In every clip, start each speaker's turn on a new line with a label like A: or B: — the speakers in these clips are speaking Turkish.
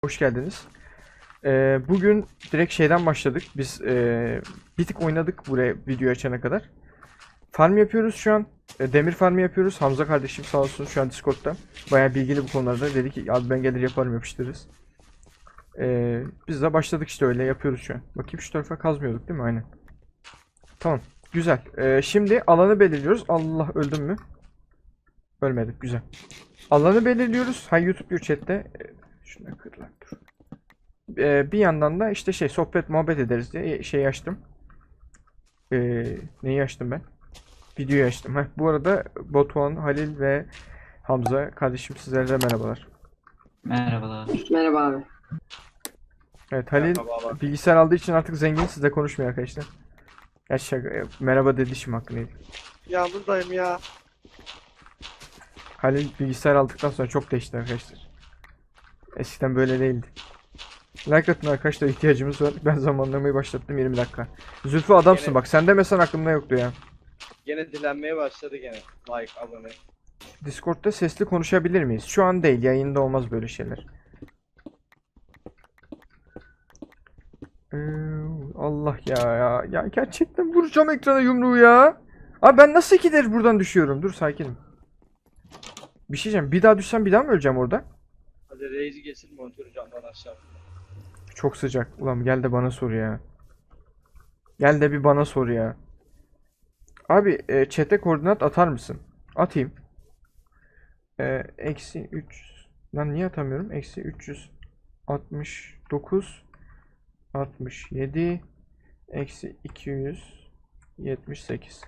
A: Hoş geldiniz. Bugün direkt şeyden başladık. Biz bir tık oynadık buraya video açana kadar. Farm yapıyoruz şu an. Demir farmı yapıyoruz. Hamza kardeşim sağ olsun şu an Discord'da. Bayağı bilgili bu konularda. Dedi ki abi ben gelir yaparım yapıştırırız. Biz de başladık işte öyle yapıyoruz şu an. Bakayım şu tarafa kazmıyorduk değil mi? Aynen. Tamam. Güzel. Şimdi alanı belirliyoruz. Allah öldüm mü? Ölmedik. Güzel. Alanı belirliyoruz. Ha YouTube diyor chatte. Şuna kırlar dur. Bir yandan da işte sohbet muhabbet ederiz diye şey açtım. Neyi açtım ben? Videoyu açtım. Bu arada Batuhan, Halil ve Hamza kardeşim sizlere de merhabalar.
B: Merhabalar.
C: Merhaba abi.
A: Evet Halil
D: Merhabalar.
A: bilgisayar aldığı için artık zengin, sizle konuşmuyor arkadaşlar. Ya merhaba dedişim hakkı neydi?
D: Ya buradayım ya.
A: Halil bilgisayar aldıktan sonra çok değişti arkadaşlar. Eskiden böyle değildi. Like atın arkadaşlar, ihtiyacımız var. Ben zamanlamayı başlattım 20 dakika. Zülfü adamsın
D: Gene-
A: bak, sen demesen aklımda yoktu ya.
D: Gene dilenmeye başladı gene. Like, abone.
A: Discord'da sesli konuşabilir miyiz? Şu an değil, yayında olmaz böyle şeyler. Ee, Allah ya gerçekten vuracağım ekrana yumruğu ya. Abi ben nasıl ikidir buradan düşüyorum? Dur sakinim. Bir şey diyeceğim. Bir daha düşsem bir daha mı öleceğim orada?
D: Hadi reisi geçsin monitörü camdan aşağı.
A: Çok sıcak. Ulan gel de bana sor ya. Gel de bir bana sor ya. Abi chat'e koordinat atar mısın? Atayım. Eksi 3. Lan niye atamıyorum? Eksi 369 67 eksi 278.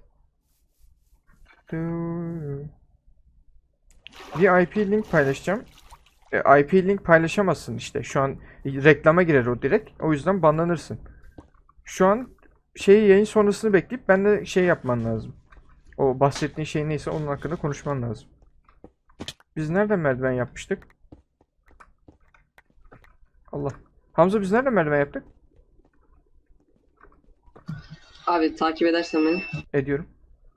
A: Bir IP link paylaşacağım. IP link paylaşamazsın işte. Şu an reklama girer o direkt. O yüzden banlanırsın. Şu an yayın sonrasını bekleyip ben de yapman lazım. O bahsettiğin şey neyse onun hakkında konuşman lazım. Biz nereden merdiven yapmıştık? Allah. Hamza biz nereden merdiven yaptık?
C: Abi takip edersen beni.
A: Ediyorum.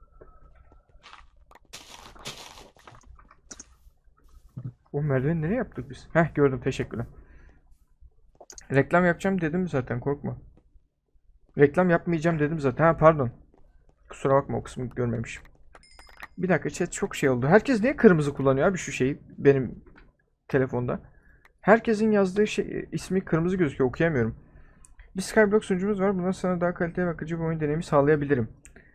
A: O merdiveni nereye yaptık biz? Heh gördüm, teşekkürler. Reklam yapacağım dedim zaten, korkma. Reklam yapmayacağım dedim zaten. Ha pardon. Kusura bakma, o kısmı görmemişim. Bir dakika chat, çok şey oldu. Herkes niye kırmızı kullanıyor abi şu şeyi benim telefonda? Herkesin yazdığı ismi kırmızı gözüküyor, okuyamıyorum. Bir Skyblock sunucumuz var. Bundan sonra daha kaliteli ve akıcı bir oyun deneyimi sağlayabilirim.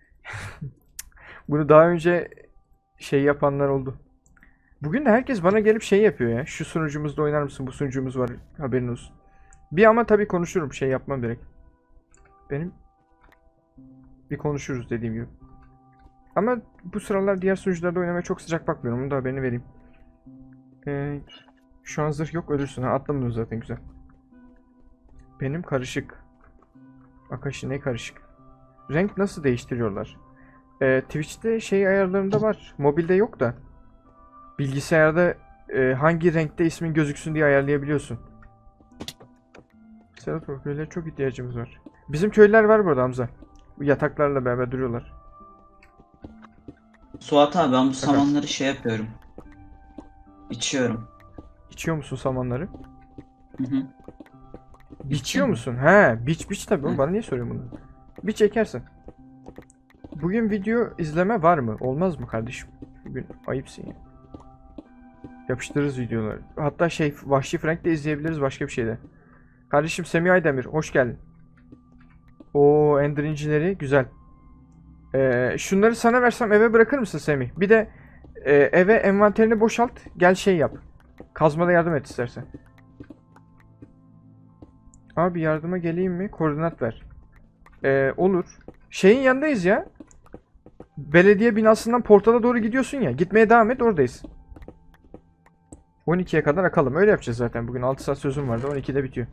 A: Bunu daha önce yapanlar oldu. Bugün de herkes bana gelip yapıyor ya. Şu sunucumuzda oynar mısın? Bu sunucumuz var. Haberin olsun. Bir ama tabii konuşurum. Yapmam gerek. Benim bir konuşuruz dediğim gibi. Ama bu sıralar diğer sunucularda oynamaya çok sıcak bakmıyorum. Bunu da haberini vereyim. Şu an zırh yok, ölürsün. Ha, atlamadım zaten, güzel. Benim karışık. Akashi ne karışık? Renk nasıl değiştiriyorlar? Twitch'te ayarlarında var. Mobilde yok da. Bilgisayarda hangi renkte ismin gözüksün diye ayarlayabiliyorsun. Serhat köylere çok ihtiyacımız var. Bizim köylüler var burada Hamza. Bu yataklarla beraber duruyorlar.
B: Suat abi ben bu samanları yapıyorum. İçiyorum.
A: İçiyor musun samanları?
B: Hı hı.
A: Biçiyor
B: mi?
A: musun? He, biç tabii. Oğlum
B: Hı.
A: bana niye soruyorsun bunu? Biç ekersin. Bugün video izleme var mı? Olmaz mı kardeşim? Bugün ayıpsın ya. Yapıştırırız videoları. Hatta Vahşi Frank de izleyebiliriz, başka bir şeyde. Kardeşim Semih Aydemir, hoş geldin. Oo, Ender incileri güzel. Şunları sana versem eve bırakır mısın Semih? Bir de eve envanterini boşalt. Gel yap. Kazmada yardım et istersen. Abi yardıma geleyim mi? Koordinat ver. Olur. Şeyin yanındayız ya. Belediye binasından portala doğru gidiyorsun ya. Gitmeye devam et, oradayız. 12'ye kadar akalım. Öyle yapacağız zaten. Bugün 6 saat sözüm vardı. 12'de bitiyor.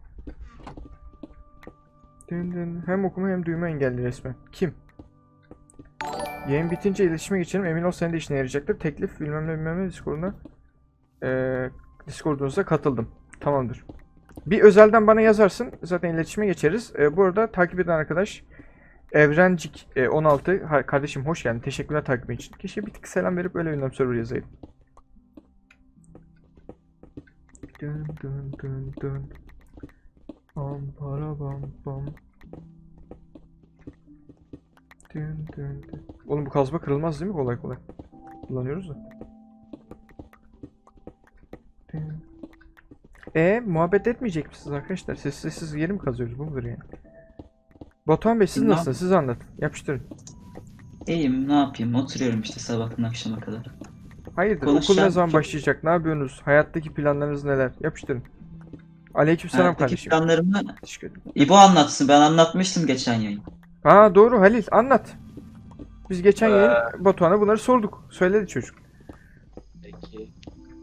A: Hem okuma hem duyma engelli resmen. Kim? Yayın bitince iletişime geçelim. Emin ol senin de işine yarayacaktır. Teklif bilmem ne Discord'una. Discord'unuza katıldım. Tamamdır. Bir özelden bana yazarsın. Zaten iletişime geçeriz. Bu arada takip eden arkadaş Evrencik 16. Kardeşim hoş geldin. Teşekkürler takibin için. Keşke bir tık selam verip öyle ünlem server yazayım. Dın dın dın dın. Bam para bam bam. Dın dın dın. Oğlum bu kazma kırılmaz değil mi kolay kolay? Kullanıyoruz da. Dın. Muhabbet etmeyecek misiniz arkadaşlar? Sessiz yeri mi kazıyoruz? Bu mudur yani? Batuhan Bey siz
B: Ne
A: nasılsınız? Siz anlatın. Yapıştırın.
B: İyiyim, ne yapayım? Oturuyorum işte sabahtan akşama kadar.
A: Hayırdır? Okul ne
B: Konuşacağım
A: zaman
B: çok-
A: başlayacak? Ne yapıyorsunuz? Hayattaki planlarınız neler? Yapıştırın. Aleykümselam
B: Hayattaki
A: kardeşim.
B: planlarımı
A: Teşekkür ederim.
B: İbo anlatsın. Ben anlatmıştım geçen yayın.
A: Ha doğru Halil anlat. Biz geçen yayın Batuhan'a bunları sorduk. Söyledi çocuk.
D: Peki.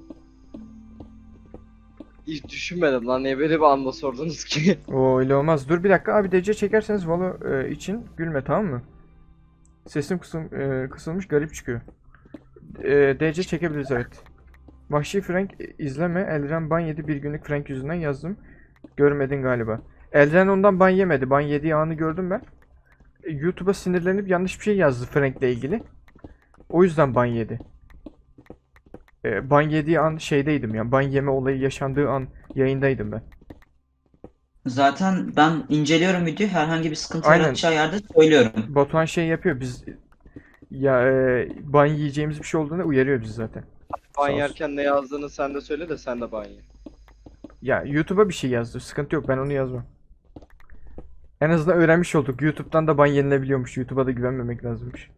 D: Hiç düşünmedim lan, niye böyle bir anda sordunuz ki?
A: Oo öyle olmaz. Dur bir dakika abi DC çekerseniz Valo için gülme tamam mı? Sesim kısılmış garip çıkıyor. DC çekebiliriz evet. Vahşi Frank izleme. Elren ban yedi bir günlük Frank yüzünden yazdım. Görmedin galiba. Elren ondan ban yemedi. Ban yediği anı gördüm ben. YouTube'a sinirlenip yanlış bir şey yazdı Frank'le ilgili. O yüzden ban yedi. Ban yediği an şeydeydim ya. Ban yeme olayı yaşandığı an yayındaydım ben.
B: Zaten ben inceliyorum videoyu. Herhangi bir sıkıntı
A: Aynen.
B: yaratacağı yerde söylüyorum.
A: Batuhan şey yapıyor biz ya ban yiyeceğimiz bir şey olduğunda uyarıyor bizi zaten. Sağ
D: Ban
A: olsun.
D: yerken ne yazdığını sen de söyle de sen de ban ye.
A: Ya YouTube'a bir şey yazdı. Sıkıntı yok ben onu yazmam. En azından öğrenmiş olduk. YouTube'dan da ban yenilebiliyormuş. YouTube'a da güvenmemek lazımmış.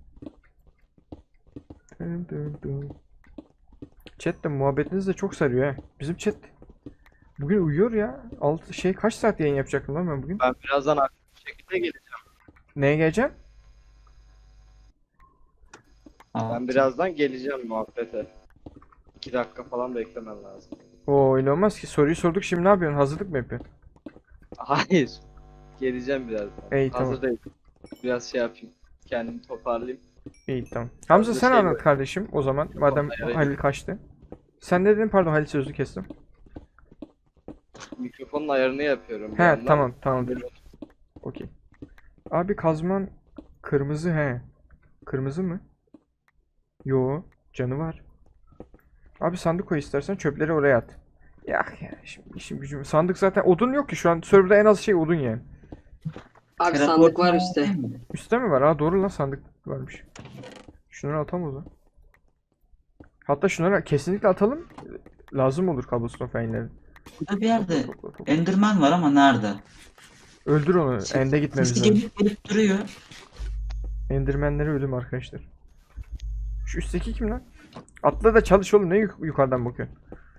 A: Dın dın dın. Chat de muhabbetiniz de çok sarıyor ha. Bizim chat bugün uyuyor ya. Kaç saat yayın yapacaktım lan ben bugün?
D: Ben birazdan aktif bir şekilde geleceğim.
A: Neye geleceğim?
D: Ben birazdan geleceğim muhabbete. 2 dakika falan beklemen lazım.
A: Oo öyle olmaz ki. Soruyu sorduk şimdi ne yapıyorsun? Hazırlık mı yapıyorsun?
D: Hayır. Geleceğim birazdan.
A: İyi, tamam.
D: Hazır değilim. Biraz şey yapayım. Kendimi toparlayayım.
A: İyi tamam. Hamza
D: Fazla
A: sen
D: şey
A: anlat
D: böyle.
A: kardeşim o zaman. Madem
D: Evet.
A: Halil kaçtı. Sen ne dedin? Pardon Halil sözü kestim.
D: Mikrofonun ayarını yapıyorum. bir
A: He
D: yandan.
A: tamam tamam. Okey. Abi kazman kırmızı he. Kırmızı mı? Yo canı var. Abi sandık koy istersen çöpleri oraya at. Ya şimdi işim gücüm. Sandık zaten odun yok ki şu an serverda en az şey odun yani.
C: Abi
B: Teleport
C: sandık var
B: mu?
C: üstte.
A: Üstte mi var? Ha doğru lan sandık varmış. Şunları atalım o zaman. Hatta şunları kesinlikle atalım. Lazım olur cobblestone fenleri.
B: Burada bir yerde Enderman var ama nerede?
A: Öldür onu. Ende gitmemiz
B: Sesi
A: lazım.
B: gelip duruyor.
A: Endermenlere ölüm arkadaşlar. Şu üstteki kim lan? Atla da çalış oğlum. Ne yukarıdan bakıyorsun?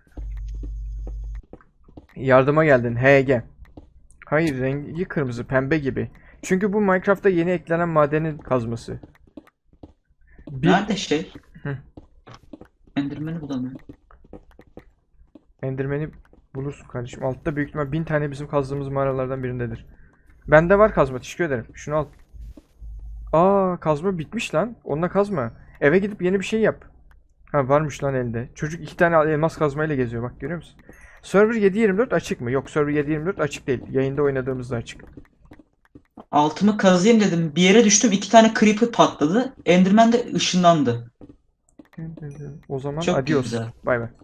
A: Yardıma geldin. HG. Hayır rengi kırmızı. Pembe gibi. Çünkü bu Minecraft'ta yeni eklenen madenin kazması.
B: Nerede şey?
A: Hı.
B: Enderman'i bulamıyorum.
A: Enderman'i bulursun kardeşim. Altta büyük ihtimal 1000 tane bizim kazdığımız mağaralardan birindedir. Bende var kazma. Teşekkür ederim. Şunu al. Aa kazma bitmiş lan. Onunla kazma. Eve gidip yeni bir şey yap. Ha varmış lan elde. Çocuk 2 tane elmas kazmayla geziyor bak görüyor musun? Server 7/24 açık mı? Yok server 7/24 açık değil. Yayında oynadığımızda açık.
B: Altımı kazıyım dedim. Bir yere düştüm. 2 tane creeper patladı. Enderman de ışınlandı.
A: O zaman
B: Çok
A: adios.
B: güzel.
A: Bay bay.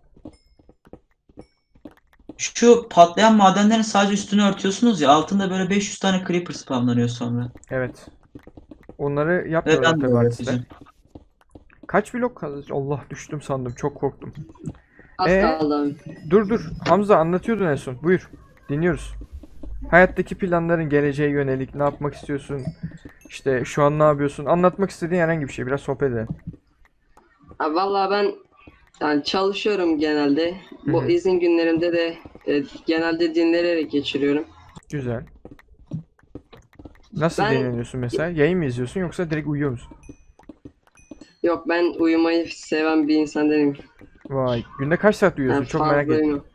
B: Şu patlayan madenlerin sadece üstünü örtüyorsunuz ya. Altında böyle 500 tane creeper spamlanıyor sonra.
A: Evet. Onları
B: Ve
A: yapmıyorlar
B: ben de
A: tabii
B: öğreteceğim.
A: artistler. Kaç blok kaldı? Allah düştüm sandım. Çok korktum.
C: Az kaldı abi.
A: Dur. Hamza anlatıyordun en son. Buyur. Dinliyoruz. Hayattaki planların geleceğe yönelik ne yapmak istiyorsun? İşte şu an ne yapıyorsun? Anlatmak istediğin herhangi bir şey. Biraz sohbet edelim.
C: Abi vallahi ben yani çalışıyorum genelde. Bu
A: Hı hı.
C: izin günlerimde de genelde dinlenerek geçiriyorum.
A: Güzel. Nasıl
C: Ben-
A: dinleniyorsun mesela? Yayın mı izliyorsun yoksa direkt uyuyor musun?
C: Yok ben uyumayı seven bir insan değilim.
A: Vay. Günde kaç saat uyuyorsun?
C: Yani
A: Çok merak ettim.
C: uyumam.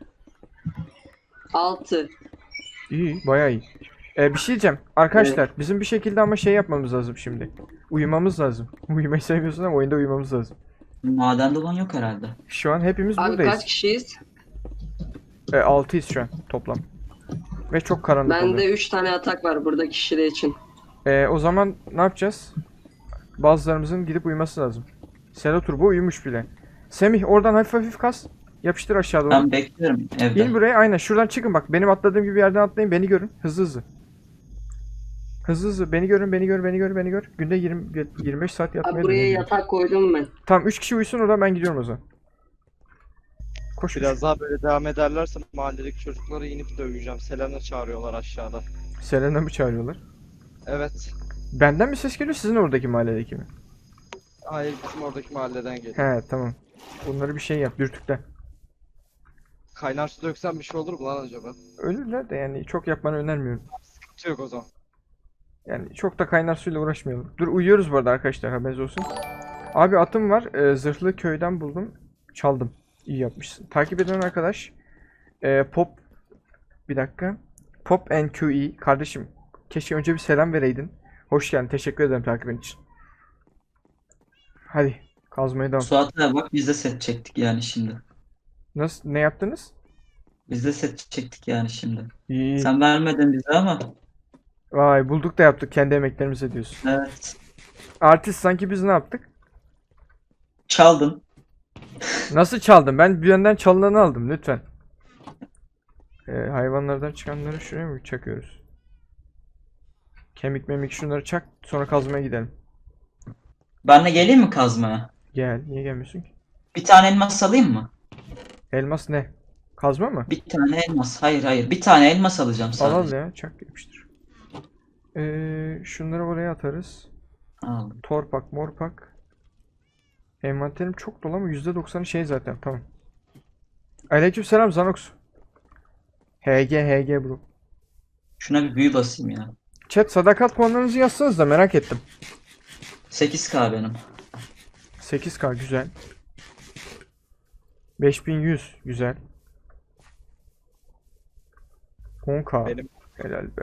C: 6.
A: İyi, bayağı iyi. Bir şey diyeceğim. Arkadaşlar bizim bir şekilde ama şey yapmamız lazım şimdi. Uyumamız lazım. Uyumayı sevmiyorsun ama oyunda uyumamız lazım.
B: Madende olan yok herhalde.
A: Şu an hepimiz
C: Abi
A: buradayız.
C: kaç kişiyiz?
A: 6'yız şu an toplam. Ve çok karanlık oluyor.
C: Bende 3 tane atak var burada kişiler için.
A: O zaman ne yapacağız? Bazılarımızın gidip uyuması lazım. Selo Turbo uyumuş bile. Semih oradan hafif hafif kas. Yapıştır aşağı doğru.
B: Ben bekliyorum evde.
A: İn buraya, aynen şuradan çıkın bak. Benim atladığım gibi bir yerden atlayın, beni görün. Hızlı hızlı. Hızlı hızlı beni görün, beni gör, beni gör, beni gör. Günde 25 saat
C: Abi
A: yatmaya
C: buraya
A: dönüyorum.
C: yatak koydum ben.
A: Tamam 3 kişi uyusun, oradan ben gidiyorum o zaman. Koş.
D: Biraz daha böyle devam ederlerse mahalledeki çocukları inip döveceğim. Selena çağırıyorlar aşağıda.
A: Selena mı çağırıyorlar?
D: Evet.
A: Benden mi ses geliyor, sizin oradaki mahalledeki mi?
D: Hayır, bizim oradaki mahalleden geliyor.
A: He tamam. Bunları bir şey yap, dürtükle.
D: Kaynar su döksen bir şey olur mu lan acaba?
A: Ölürler de yani çok yapmanı önermiyorum.
D: Sıkıntı yok o zaman.
A: Yani çok da kaynar suyla uğraşmayalım. Dur uyuyoruz bu arada arkadaşlar, haberiniz olsun. Abi atım var. Zırhlı köyden buldum. Çaldım. İyi yapmışsın. Takip eden arkadaş. Pop. Bir dakika. Pop NQE. Kardeşim. Keşke önce bir selam vereydin. Hoş geldin. Teşekkür ederim takibin için. Hadi. Kazmaya devam.
B: Suat'a bak biz de set çektik yani şimdi.
A: Nasıl? Ne yaptınız?
B: Biz de set çektik yani şimdi.
A: İyi.
B: Sen vermedin bize ama.
A: Vay bulduk da yaptık. Kendi emeklerimize diyorsun.
B: Evet.
A: Artist sanki biz ne yaptık?
B: Çaldın.
A: Nasıl çaldım? Ben bir yönden çalınanı aldım lütfen. Hayvanlardan çıkanları şuraya mı çakıyoruz? Kemik memik şunları çak, sonra kazmaya gidelim.
B: Ben de geleyim mi kazmaya?
A: Gel, niye gelmiyorsun ki?
B: Bir tane elmas alayım mı?
A: Elmas ne? Kazma mı?
B: Bir tane elmas. Hayır hayır. Bir tane elmas alacağım
A: Al al
B: sadece.
A: ya, çak yapıştır. Şunları oraya atarız.
B: Aldım.
A: Torpak, morpak. Envanterim çok dolu ama %90'ı şey zaten, tamam. Aleykümselam Zanox. HG bro.
B: Şuna bir büyü basayım ya.
A: Chat sadakat puanlarınızı yazsanız da merak ettim.
B: 8K benim.
A: 8K güzel. 5100 güzel. 10K
D: Benim
A: helal be.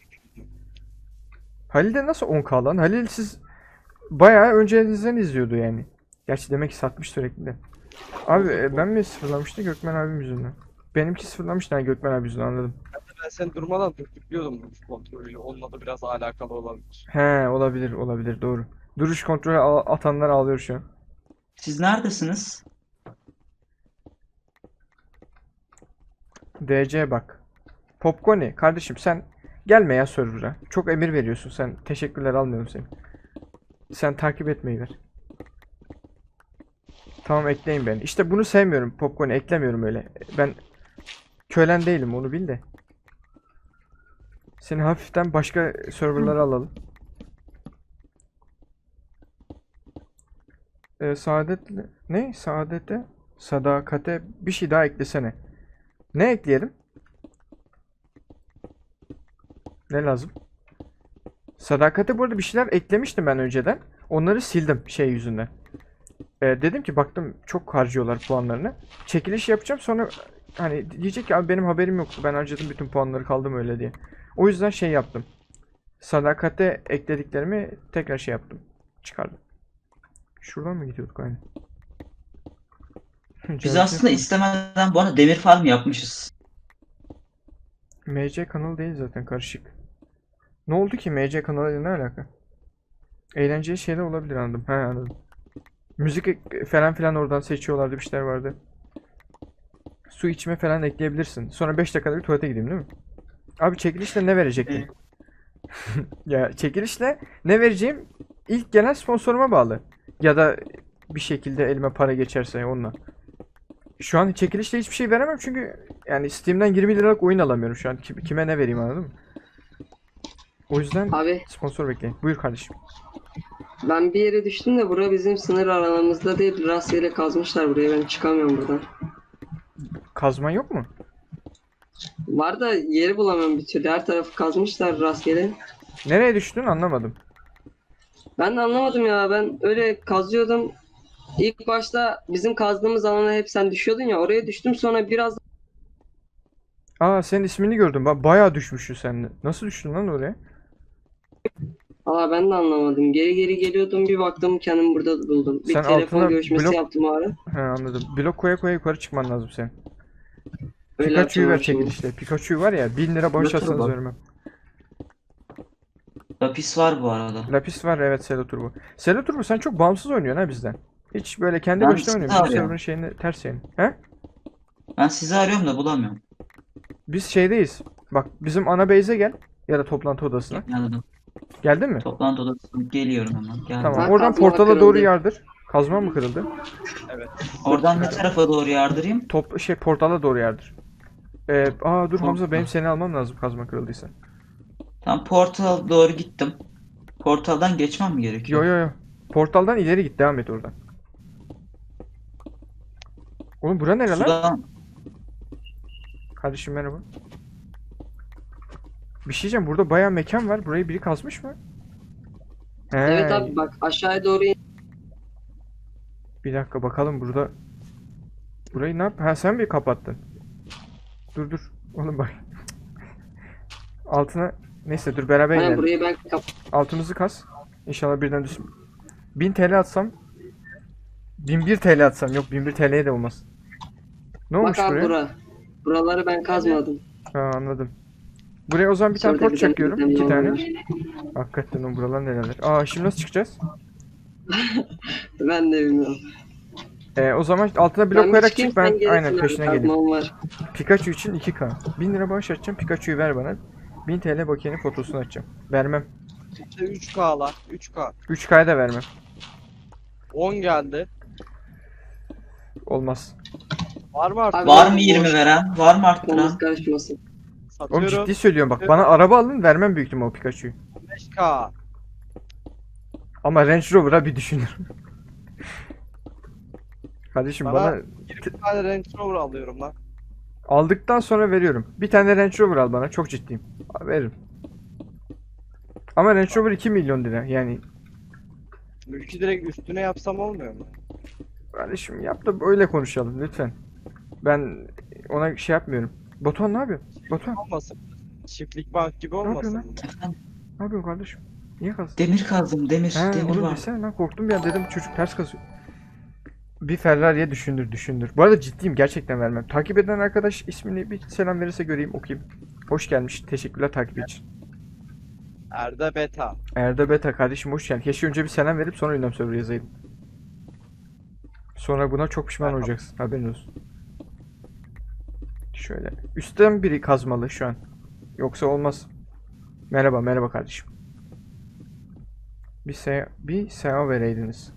A: Halil'de nasıl 10K lan? Halil siz bayağı öncenizden izliyordu yani. Gerçi demek ki satmış sürekli de. Abi ben mi sıfırlamıştım Gökmen abim yüzünden? Benimki sıfırlamıştı yani Gökmen abi yüzünden, anladım.
D: ben seni durmadan dürtüklüyordum bu kontrolüyle. Onunla da biraz alakalı olabilir.
A: He olabilir doğru. Duruş kontrolü atanlar ağlıyor şu an.
B: Siz neredesiniz?
A: DC bak. Popcorni kardeşim sen gelme ya server'a. Çok emir veriyorsun sen. Teşekkürler, almıyorum seni. Sen takip etmeyi ver. Tamam ekleyin beni. İşte bunu sevmiyorum Popcorni, eklemiyorum öyle. Ben kölen değilim, onu bil de. Seni hafiften başka serverlara alalım. Saadetle ne? Saadete, sadakate bir şey daha eklesene. Ne ekleyelim? Ne lazım? Sadakate bu arada bir şeyler eklemiştim ben önceden. Onları sildim şey yüzünden. Dedim ki baktım çok harcıyorlar puanlarını. Çekiliş yapacağım, sonra hani diyecek ki abi benim haberim yoktu, ben harcadım bütün puanları, kaldım öyle diye. O yüzden şey yaptım. Sadakate eklediklerimi tekrar şey yaptım. Çıkardım. Şuradan mı gidiyorduk aynı?
B: Biz aslında istemeden bu arada demir farm yapmışız.
A: MC kanalı değil zaten, karışık. Ne oldu ki MC kanalıyla ne alaka? Eğlenceli şeyler olabilir, anladım. He anladım. Müzik falan filan oradan seçiyorlardı, bir şeyler vardı. Su içme falan ekleyebilirsin. Sonra 5 dakikada bir tuvalete gideyim değil mi? Abi çekilişle ne verecektin? Ya çekilişle ne vereceğim ilk gelen sponsoruma bağlı. Ya da bir şekilde elime para geçerse onunla. Şu an çekilişle hiçbir şey veremem çünkü yani Steam'den 20 liralık oyun alamıyorum şu an. Kime ne vereyim, anladın mı? O yüzden
C: Abi
A: sponsor bekleyin. Buyur kardeşim.
C: ben bir yere düştüm de bura bizim sınır alanımızda değil. Rastgele kazmışlar buraya. Ben çıkamıyorum buradan.
A: Kazman yok mu?
C: Var da yeri bulamıyorum bir türlü. Her tarafı kazmışlar rastgele.
A: Nereye düştün anlamadım.
C: Ben de anlamadım ya. Ben öyle kazıyordum. İlk başta bizim kazdığımız alana hep sen düşüyordun ya. Oraya düştüm, sonra biraz
A: Aa senin ismini gördüm. Bayağı düşmüşsün sen. Nasıl düştün lan oraya?
C: Valla ben de anlamadım. Geri geri geliyordum, bir baktım kendimi burada buldum. Bir
A: Sen
C: telefon
A: altına
C: görüşmesi
A: blok-
C: yaptım o ara.
A: He anladım. Blok koya koya yukarı çıkman lazım senin.
C: Öyle
A: Pikachu'yu ver
C: yapacağım şimdi.
A: çekilişle. Pikachu var ya 1000 lira bağış
B: Götür
A: atsanız
B: bak.
A: vermem.
B: Lapis var bu arada.
A: Lapis var evet, Selo Turbo. Selo Turbo sen çok bağımsız oynuyorsun ha bizden. Hiç böyle kendi
B: Ben
A: başına
B: sizi
A: oynuyorsun. Bizim
B: arıyorum.
A: server'ın şeyini ters yani. He?
B: Ben sizi arıyorum da bulamıyorum.
A: Biz şeydeyiz. Bak bizim ana base'e gel. Ya da toplantı odasına.
B: Geldim.
A: Geldin mi?
B: Toplantı odasına geliyorum hemen. Geldim.
A: Tamam.
C: Bak,
A: Oradan
C: kazma
A: portala doğru
C: kırıldı.
A: yardır. Kazma mı kırıldı?
D: Evet.
B: Oradan ne tarafa doğru yardırayım?
A: Portala doğru yardır. Dur Hamza,
B: Portal.
A: benim seni almam lazım kazma kırıldıysa.
B: Tam portal doğru gittim. Portaldan geçmem mi gerekiyor?
A: Yo. Portaldan ileri git, devam et oradan. Oğlum bura nere lan?
B: Sudan
A: Kardeşim merhaba. Bir şey diyeceğim, burada bayağı mekan var. Burayı biri kazmış mı? He,
C: Evet abi bak aşağıya doğru in.
A: bir dakika bakalım burada. Burayı ne yap? Ha, sen mi kapattın? Dur. Oğlum bak. Altına neyse, dur beraber
C: Aynen
A: inelim.
C: burayı ben
A: Altımızı kaz. İnşallah birden düşsün. 1000 TL atsam. 1001 TL atsam. Yok, 1001 TL'ye de olmaz. Ne olmuş
C: bak abi
A: buraya?
C: Buraları ben kazmadım.
A: Ha, anladım. Buraya o zaman bir tane
C: Şurada
A: port
C: bir tane
A: çakıyorum.
C: bir
A: 2
C: tane
A: tane.
C: var.
A: Hakikaten o buralar nereler? Aa, şimdi nasıl çıkacağız?
C: Ben de bilmiyorum.
A: O zaman altına blok
C: Ben bir
A: koyarak
C: çıkayım,
A: çık, ben
C: sen gelirsin
A: aynen
C: abi,
A: peşine geleyim.
C: kazmam var.
A: Pikachu için 2K. 1000 lira bağış açacağım. Pikachu'yu ver bana. 1000 TL bakiyenin fotosunu açacağım. Vermem.
D: İşte 3K lan. 3K.
A: 3K'ya da vermem.
D: 10 geldi.
A: Olmaz.
D: Var mı artık?
C: Abi,
B: var mı 20 veren? Var mı arttıran?
C: Kafamız karışmasın.
A: Oğlum
D: Satıyorum.
A: ciddi söylüyorum bak. Bana araba alın, vermem büyük ihtimal o Pikachu'yu.
D: 5K.
A: Ama Range Rover'a bir düşünür. Kardeşim
D: Bana-
A: bana
D: 20 tane Range Rover alıyorum lan.
A: aldıktan sonra veriyorum. Bir tane Range Rover al bana. Çok ciddiyim. Veririm. Ama Range Rover 2 milyon lira. Yani
D: Mülkü direkt üstüne yapsam olmuyor mu?
A: kardeşim yap da öyle konuşalım lütfen. Ben ona şey yapmıyorum. Batuhan ne yapıyorsun? Batuhan
D: Olmasın. Çiftlik bank gibi
A: yapıyorsun
D: olmasın.
B: Efendim,
A: ne yapıyorsun kardeşim? Niye kazdın?
B: demir kazdım, demir
A: He oğlum
B: var.
A: desene lan, korktum ya, dedim çocuk ters kazıyor. Bir Ferrari'ye düşündür. Bu arada ciddiyim, gerçekten vermem. Takip eden arkadaş ismini bir selam verirse göreyim, okuyayım. Hoş gelmiş. Teşekkürler takip için.
D: Erda Beta.
A: Erdo Beta kardeşim hoş geldin. Keşke önce bir selam verip sonra ünlem server yazaydım. Sonra buna çok pişman olacaksın. Haberin olsun. Şöyle. Üstten biri kazmalı şu an. Yoksa olmaz. Merhaba kardeşim. Bir seha vereydiniz.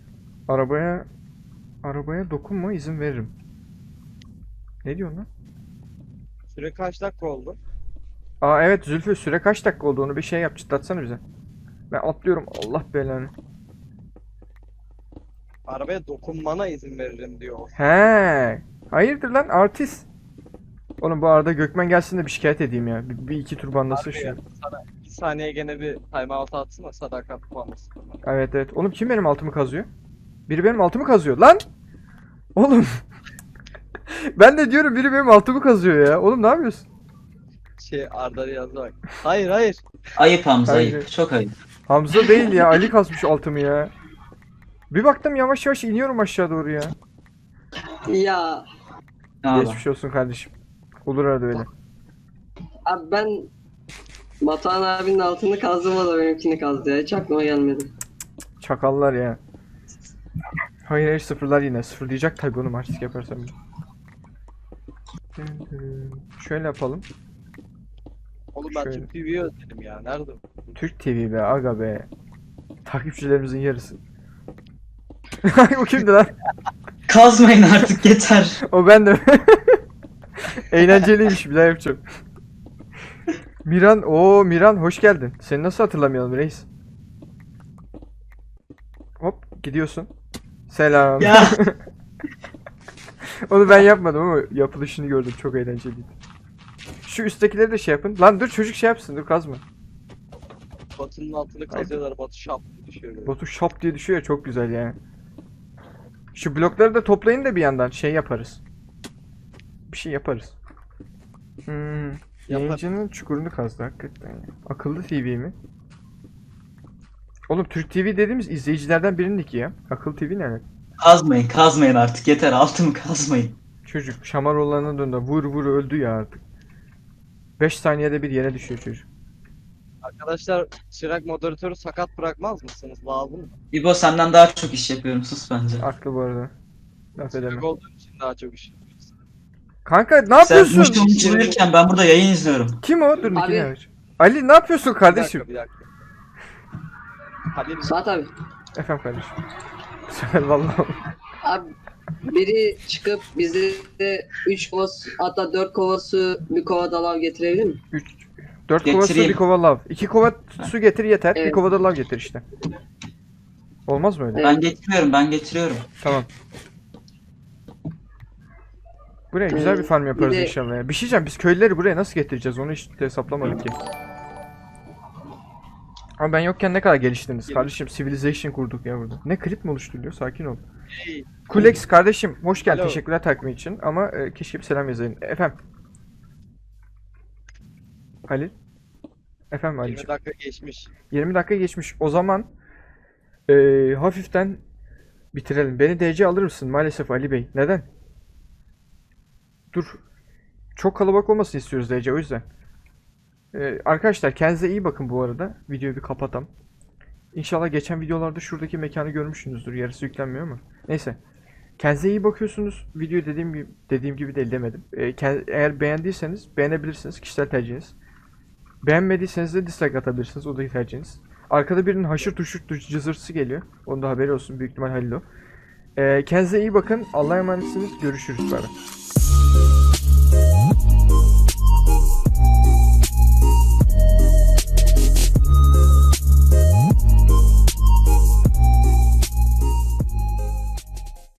A: Arabaya dokunma, izin veririm. Ne diyorsun lan?
D: Süre kaç dakika oldu?
A: Aa evet Zülfü, süre kaç dakika oldu, onu bir şey yap, çıtlatsana bize. Ben atlıyorum, Allah belanı.
D: Arabaya dokunmana izin veririm diyor.
A: He, hayırdır lan artist. Oğlum bu arada Gökmen gelsin de bir şikayet edeyim ya. Bir iki tur banlasın
D: Harbi
A: şu.
D: ya, sana 2 saniye gene bir timeout atsın da sadakat puanlasın.
A: Evet. Oğlum kim benim altımı kazıyor? Biri benim altımı kazıyor lan. Oğlum. Ben de diyorum biri benim altımı kazıyor ya. Oğlum ne yapıyorsun?
D: Arda'ya yazdı bak. Hayır.
B: Ayıp Hamza,
A: Hayır.
B: ayıp. Çok ayıp.
A: Hamza değil ya, Ali kazmış altımı ya. Bir baktım yavaş yavaş iniyorum aşağı doğru ya.
C: Ya
B: Ne haber?
A: Geçmiş olsun kardeşim. Olur arada öyle.
C: abi ben Batuhan abinin altını kazdım, o da benimkini kazdı ya. Hiç aklıma gelmedi.
A: Çakallar ya. Hayır sıfırlar yine. Sıfırlayacak tabii oğlum artistik yaparsam. Şöyle yapalım.
D: Oğlum ben
A: Şöyle.
D: Türk TV'yi özledim ya. Nerede?
A: Türk TV be aga be. Takipçilerimizin yarısı. O kimdi lan?
B: Kazmayın artık, yeter.
A: O ben de. Eğlenceliymiş, bir daha yapacağım. Miran hoş geldin. Seni nasıl hatırlamayalım reis? Hop gidiyorsun. Selam.
B: Ya.
A: Onu ben yapmadım ama yapılışını gördüm, çok eğlenceliydi. Şu üsttekileri de şey yapın. Lan dur çocuk şey yapsın, dur kazma.
D: Batu'nun altını kazıyorlar. Batu şap düşüyor. böyle.
A: Batu şap diye düşüyor ya, çok güzel yani. Şu blokları da toplayın da bir yandan şey yaparız. Bir şey yaparız. Yayıncının çukurunu kazdı hakikaten ya. Akıllı TV mi? Oğlum Türk TV dediğimiz izleyicilerden birininki ya. Akıllı TV ne alaka?
B: Kazmayın artık, yeter. Altımı kazmayın.
A: Çocuk Şamaroğlan'a döndü. Vur öldü ya artık. 5 saniyede bir yere düşüyor çocuk.
D: Arkadaşlar Çırak moderatörü sakat bırakmaz mısınız? Lazım mı?
B: İbo, senden daha çok iş yapıyorum, sus bence.
A: Aklı bu arada. Laf edemem.
D: Çırak olduğum için daha çok iş yapıyoruz.
A: Kanka ne
B: Sen
A: yapıyorsun?
B: müşteri ben burada yayın izliyorum.
A: Kim o? Dur
C: Abi.
A: Nikine ver. Ali ne yapıyorsun
D: Bir
A: kardeşim?
D: dakika, bir dakika. Halil
C: Suat abi.
A: Efendim kardeşim. Vallahi.
C: Abi biri çıkıp bize 3 kova hatta 4 kova su bir kova da lav getirebilir mi?
A: 4 kova su,
B: Getireyim.
A: bir kova lav. 2 kova su getir yeter. Bir
C: Evet.
A: kova da lav getir işte. Olmaz mı öyle?
B: Ben getiriyorum.
A: Tamam. Buraya güzel bir farm yaparız
C: bir de-
A: inşallah ya. Bir şey diyeceğim, biz köylüleri buraya nasıl getireceğiz onu hiç hesaplamadık ki. Ama ben yokken ne kadar geliştiniz kardeşim, civilization kurduk ya burada. Ne klip mi oluşturuyor? Sakin ol.
D: Hey,
A: Kulex kardeşim hoş geldin,
D: Alo.
A: teşekkürler takvim için ama keşke bir selam yazaydın. Efendim. Halil. Efendim
D: 20
A: Halil'ciğim.
D: dakika geçmiş.
A: 20 dakika geçmiş. O zaman hafiften bitirelim. Beni DC alır mısın maalesef Ali Bey? Neden? Dur. Çok kalabalık olmasını istiyoruz DC o yüzden. Arkadaşlar kendinize iyi bakın bu arada. Videoyu bir kapatam. İnşallah geçen videolarda şuradaki mekanı görmüşsünüzdür. Yarısı yüklenmiyor ama. Neyse. Kendinize iyi bakıyorsunuz. Videoyu dediğim gibi değil demedim. Eğer beğendiyseniz beğenebilirsiniz. Kişisel tercihiniz. Beğenmediyseniz de dislike atabilirsiniz. O da tercihiniz. Arkada birinin haşır tuşur cızırtısı geliyor. Onun da haberi olsun. Büyük ihtimal Halil o. Kendinize iyi bakın. Allah'a emanetsiniz. Görüşürüz. Bay bay.